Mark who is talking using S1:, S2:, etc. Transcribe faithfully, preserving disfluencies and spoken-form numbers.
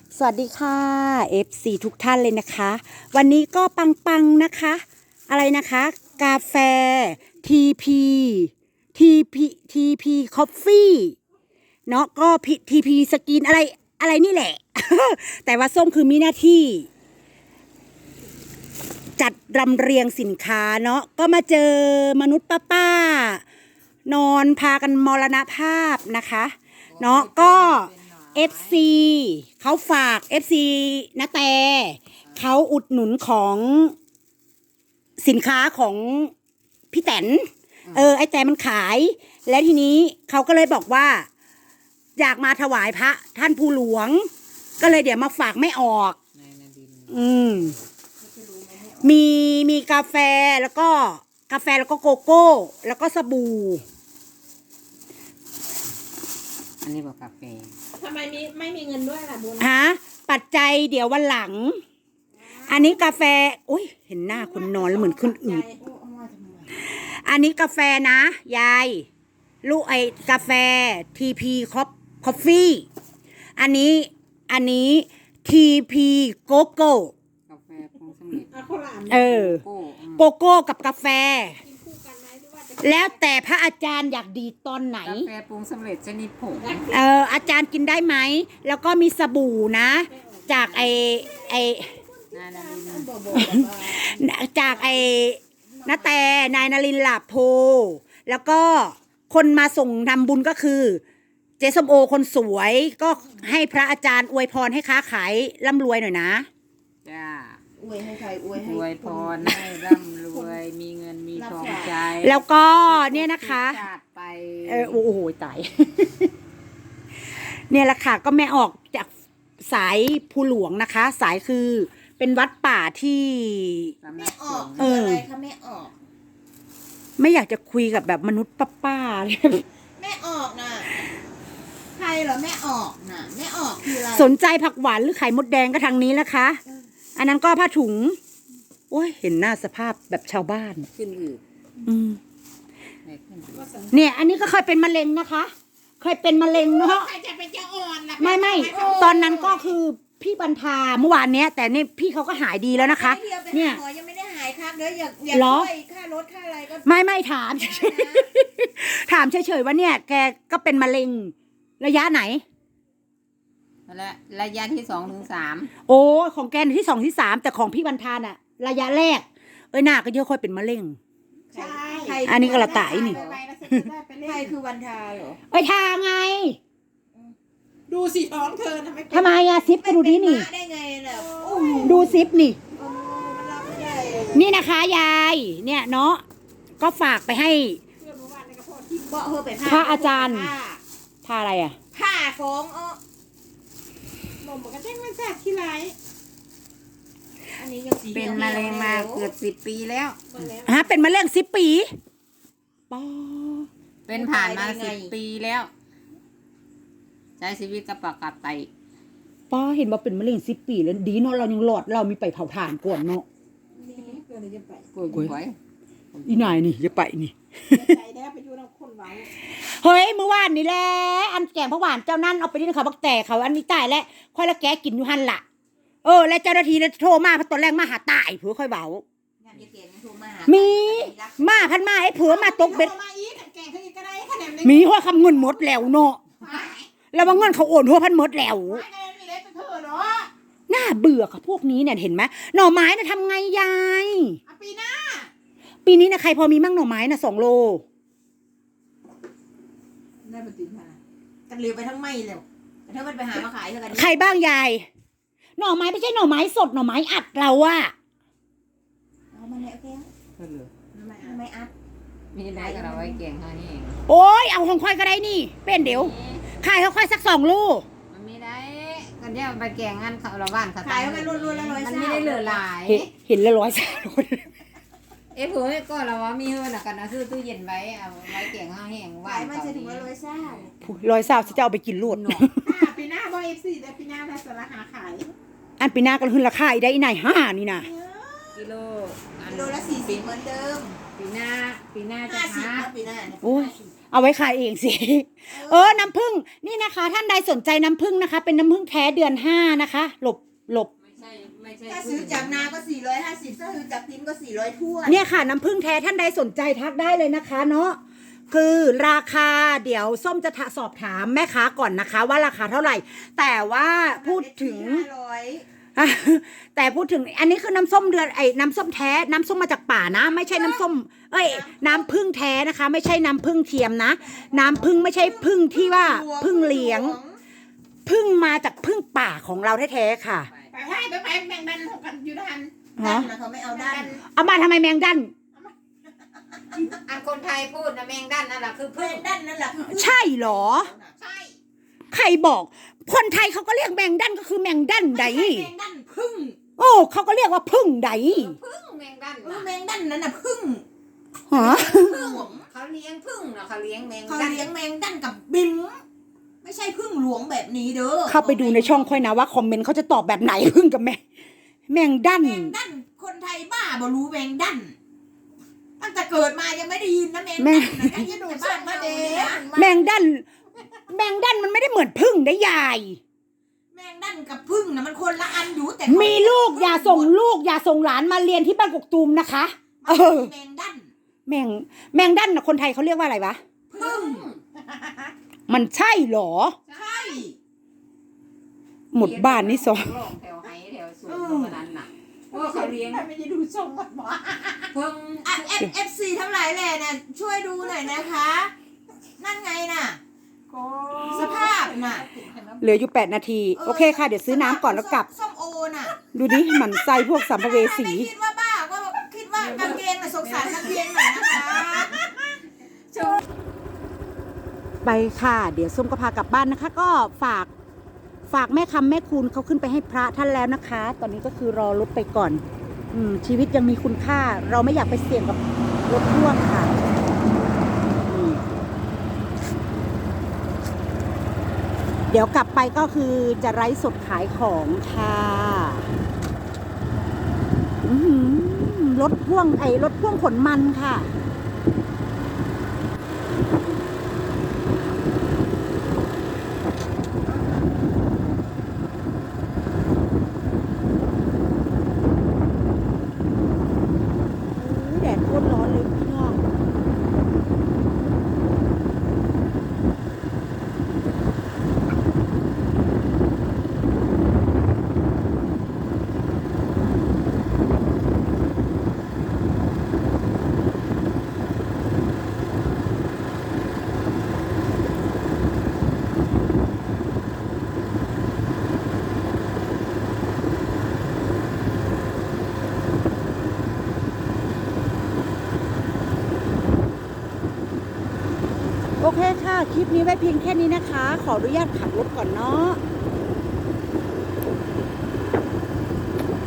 S1: สวัสดีค่ะ เอฟ ซี ทุกท่านเลยนะคะ วันนี้ก็ปังๆนะคะ อะไรนะคะ กาแฟ ที พี ที พี ที พี Coffee เนาะก็ ที พี สกินอะไรอะไรนี่แหละ แต่ว่าส้มคือมีหน้าที่ จัดรำเรียงสินค้าเนาะก็มาเจอมนุษย์ป้าๆนอนพากันมรณภาพนะคะเนาะก็ เอฟ ซี เขาฝาก เอฟ ซี นะแต่เขาอุดหนุนของสินค้าของพี่แตนเออไอแต่มันขาย แล้วทีนี้เขาก็เลยบอกว่า อยากมาถวายพระท่านผู้หลวง ก็เลยเดี๋ยวมาฝากไม่ออกอืมมีมีกาแฟแล้วก็กาแฟแล้วก็โกโก้ แล้วก็สบู่
S2: อันนี้บอกกาแฟ
S3: ทำไมมีไม่มีเงินด้วยล่ะบุญ
S1: ฮะปัจจัยเดี๋ยววันหลัง อันนี้กาแฟอุ้ยเห็นหน้าคนนอนแล้วเหมือนขึ้นอืดอันนี้กาแฟนะยายลูกไอกาแฟ ที พี Coffee อันนี้อันนี้ ที พี โกโก้
S2: กาแฟปรุงสำเร็จ
S3: เอาข้าวหลาม
S1: เออ
S2: โกโก้
S1: โกโก้กับกาแฟ
S3: กินคู่กันไหมหรือว่าจะ
S1: แล้วแต่พระอาจารย์อยากดีตอนไหน
S2: กาแฟปรุงสำเร็จชนิดผง
S1: เอออาจารย์กินได้ไหม แล้วก็มีสบู่นะ จากไอไอ
S2: นานาลิน
S3: บอกบอกแบบว่า
S1: จากไอ้นาแต่นายนรินทร์หลาโพแล้วก็คนมาส่งทำบุญก็คือ เจสมโอคนสวยก็ให้พระอาจารย์อวยพรให้ค้าขายร่ำรวยหน่อยนะ
S2: จ้า
S3: อวยให้ใครอวยให้
S2: รวยพรให้ร่ำรวยมีเงินมีทองใจ
S1: แล้วก็เนี่ยนะคะ
S2: ชาติไป
S1: เออโอ้โหตาย เนี่ยแหละค่ะก็แม่ออกจากสายภูหลวงนะคะ สายคือเป็นวัดป่าที่
S2: สำนั
S3: ไม่
S2: ก
S3: อ
S2: ส
S3: อก
S2: งฆ์
S1: เออ
S3: อะไรคะไม่ออก
S1: ไม่อยากจะคุยกับแบบมนุษย์ป้าๆเลย
S3: ไม่ออกน่ะใครเหรอไม่ออกน่ะไม่ออกคืออะไร
S1: สนใจผักหวานหรือไข่มดแดงก็ทางนี้นะคะ อันนั้นก็ผ้าถุง โอ้ย เห็นหน้าสภาพแบบชาวบ้าน
S2: ขึ้นอืด
S1: อืม
S2: ไม่ขึ้นอืด
S1: เนี่ย อันนี้ก็เคยเป็นมะเร็งนะคะ เคยเป็นมะเร็งเนาะ
S3: ใครจะเป็นเจ้าอ่อนล่ะ
S1: ไม่ไม่ตอนนั้นก็คือพี่บรรทาเมื่อวานเนี้ย แต่เนี่ยพี่เขาก็หายดีแล้วนะคะ
S3: ไม่เดียวไป
S1: เนี่
S3: หาย หมอยังไม่ได้หายครับเดี๋ยวอยากอยาก
S1: เหรอ
S3: ช่วยค่ารถค่าอะไรก็
S1: ไม่ไม่ถามเฉยๆถามเฉยๆว่าเนี่ย แกก็เป็นมะเร็ง ระยะไหน
S2: และระยะที่สองถึงสาม
S1: โอ้ของแกที่สองที่สามแต่ของพี่บรรทาน่ะ ระยะแรก เอ้ยหน้าก็เยอะค่อยเป็นมะเร็ง
S3: ใช่
S1: อันนี้ก็ละตายนี่
S3: ใครคือวันทาเหรอ
S1: เอ้ยทาไง
S3: ดูสิท้องเธอทำไม
S1: ทำไมอะซิปก็ดูดินี่
S3: ได้ไงล่ะ
S1: ดูซิปนี่
S3: เออมันรับไม่ได้
S1: นี่นะคะยาย เนี่ยเนาะก็ฝากไปให้
S3: เพื่อนเมื่อวานในกระเพาะที่เบาะเธอไป
S1: พระอาจารย์
S3: ผ้า
S1: ทาอะไรอะ
S3: ผ้าของเออหนมมันก็แจ้งไม่ทราบที่ไรอันนี้ยังสี
S2: เป็นมะเร็งมาเกือบสิบปีแล้ว
S1: ฮะเป็นมะเร็งสิบปีปอ
S2: เป็นผ่านมาสิบปีแล้วใช้ชีวิตกระปักกับไต
S1: ปอเห็นว่าเป็นมะเร็งสิบปีแล้วดีเนาะเรายังหลอดเรามีไปเผาถ่านก่อนเนาะ
S3: เพื่อนเลยจะไป
S2: กล้วยกล้วย
S1: อีนายนี่จะไปนี่
S3: ใจได้ไปอยู่น้ำคนไว้
S1: เฮ้ยเมื่อวานนี่แหละอันแกงผักหวานเจ้านั่นเอาไปที่เขาบักแต่เขาอันนี้ตายแล้วค่อยละแกกินอยู่หันละเออแล้วเจ้าหน้าที่โทรมาเพราะตอนแรกมาหาตายเผื่อค่อยเบา
S3: งานเกียรติยังโทรมา
S1: มีมาพันมาให้เผื่อมาตกเบ็ด
S3: มาอีกแกงเขาอีกก็ได้คะแนน
S1: มีหัวคำเงินหมดแล้วเนาะแล้วว่าเงินเขาโอนหัวพันหมดแล้ว
S3: ไม่ได้มีเล็กเธอเนาะ
S1: น่าเบื่อค่ะพวกนี้เนี่ยเห็นไหมหน่อไม้น่ะทำไงยาย
S3: ปีหน้า
S1: ปีนี้นะใครพอมีมั่งหน่อไม้น่ะสองโล
S3: ได้ปฏิทินกันเร็วไปทั้งไม่เร็วแต่ถ้ามันไปหามาขายแล้วกัน
S1: ใครบ้างยายหน่อไม้ไม่ใช่หน่อไม้สดหน่อไม้อัดเราอะ
S3: เอามาเนี่ยโอเค
S2: ก็เหลือ
S3: ทำไมทำไมอัด
S2: มีได้ก็เราไว้แกงข้าวนี่เอง
S1: โอ้ยเอาของค่อยก็ได้นี่เป็นเดี๋ยวขายเขาค่อยสักสองโล
S2: มันไม่ได้กันเนี่ยไปแกงงานเขาเราบ้านเขา
S3: ขายกันรวนๆแล้วร้อย
S2: มัน
S3: เศร้า
S2: ไม่ได้เหลือหลาย
S1: เห็นเห็นละร้อยสาม
S2: เอ้ผมก็เราว่ามีเฮือนกันนะซื้อตู้เย็นไว้เอาไว้แกงข้าวแห้ง
S3: ขายมันจะถึงว่าร้อยเศร้า
S1: ร้อยสามจะเอาไปกินรวด
S3: ปีหน้าบอยเอฟซีแต่ปีหน้าถ้าสาระหาขาย
S1: อันปีหน้าก็ขึ้นราคาอีกได้อีไหนห้านี่นะ
S2: กิโล
S3: กิโลละสี่สิบเหมือนเดิม
S2: ปีหน้าปีหน้าจะ
S3: ห้าสิบ
S2: หา
S3: ปีหน้าเนี่ย
S1: โอ้ยเอาไว้ขายเองสิ เออ น้ำผึ้งนี่นะคะ ท่านใดสนใจน้ำผึ้งนะคะ เป็นน้ำผึ้งแท้เดือนห้านะคะ หลบหลบ
S2: ไม่ใช่ไม่ใช่
S3: ถ้าซื้อจากนาก็สี่ร้อยห้าสิบถ้าซื้อจากติ้มก็สี่ร้อยทั่ว
S1: เนี่ยค่ะน้ำผึ้งแท้ท่านใดสนใจทักได้เลยนะคะเนาะคือราคาเดี๋ยวส้มจะสอบถามแม่ค้าก่อนนะคะ ว่าราคาเท่าไหร่ แต่ว่าพูดถึง
S3: ห้าร้อย
S1: แต่พูดถึงอันนี้คือน้ำส้มเดือนไอ้น้ำส้มแท้น้ำส้มมาจากป่านะ ไม่ใช่น้ำส้ม เอ้ย น้ำผึ้งแท้นะคะ ไม่ใช่น้ำผึ้งเทียมนะ น้ำผึ้งไม่ใช่ผึ้งที่ว่าผึ้งเลี้ยงผึ้งมาจากผึ้งป่าของเราแท้ๆค่ะ
S3: ไปให้ไปไปแบ่งบันหกกันอยู่ทัน
S1: ฮะ
S3: ดันนะเขาไม่เอาดัน
S1: เอามาทำไมแมงดัน
S2: อันคนไทยพูดนะแมงดันนั่นแหละคือ
S3: เพื่
S2: พึ่
S3: อง นดันนั่นแหละคือ
S1: ใช่เหรอ
S3: ใช่
S1: ใครบอก คนไทยเขาก็เรียกแมงดันก็คือแมงดันใด
S3: ไม่ใช่แมงดันพึ่ง
S1: โอ้เขาก็เรียกว่าพึ่งใด
S2: พึ่งแมงดัน
S3: เออ
S2: น่ะ
S3: แมงดันนั่นน่ะพึ่ง
S1: ฮะ
S3: พึ่ง
S2: เขาเลี้ยงพึ่งนะเขาเลี้ยงแมง
S3: เขา
S2: ดัน
S3: เลี้ยงแมงดันกับบิมไม่ใช่พึ่งหลวงแบบนี้เด้อ
S1: เข้าไปดูในช่องค่อยนะว่าคอมเมนต์เขาจะตอบแบบไหน พึ่งกับแมงแมงดัน
S3: แมงดันคนไทยบ้าบ่รู้แมงดันตั้งแต่เกิดมายังไม่ได้ยินนะแมงดันนะกันจะดูบ้านมาเด้
S1: แมงดัน แมงดันมันไม่ได้เหมือนพึ่งได้ยาย
S3: แมงดันกับพึ่งนะมันคนละอันอยู่แต่
S1: มีลูกอย่าส่งลูกอย่าส่งหลานมาเรียนที่บ้านกกตูมนะคะ เออ
S3: แมงดัน
S1: แมงแมงดันนะคนไทยเขาเรียกว่าอะไรวะ
S3: พึ่ง
S1: มันใช่เหรอ
S3: ใช่
S1: หมดบ้านนี่สอง
S2: ร่องแถวไฮแถวสวนตรงนั้นน่ะเพราะว่าเขาเลี้ยง
S3: ไม่ได้ดูทรงก่อนหมอ
S2: พึ่ง
S3: อ่ะเอฟเอฟซีทั้งหลายแหล่น่ะช่วยดูหน่อยนะคะ นั่นไงน่ะ สภาพน่ะ
S1: เหลืออยู่แปดนาที โอเคค่ะ เดี๋ยวซื้อน้ำก่อนแล้วกลับ
S3: ส้มโอน่ะ
S1: ดูดิหมันไส้พวกสัมภเวสี
S3: ไม่คิดว่าบ้าก็คิดว่ากางเกงน่ะสงสารกางเกงหน่อยนะคะ
S1: ไปค่ะ เดี๋ยวส้มก็พากลับบ้านนะคะ ก็ฝากฝากแม่คำแม่คุณเขาขึ้นไปให้พระท่านแล้วนะคะ ตอนนี้ก็คือรอรถไปก่อน อืมชีวิตยังมีคุณค่า เราไม่อยากไปเสี่ยงกับรถพ่วงค่ะอืมเดี๋ยวกลับไปก็คือจะไลฟ์สดขายของค่ะอื้อหือรถพ่วงไอ้รถพ่วงขนมันค่ะ แดดโคตรร้อนเลยพี่น้องโอเคค่ะ คลิปนี้ไว้เพียงแค่นี้นะคะ ขออนุญาตขับรถก่อนเนาะ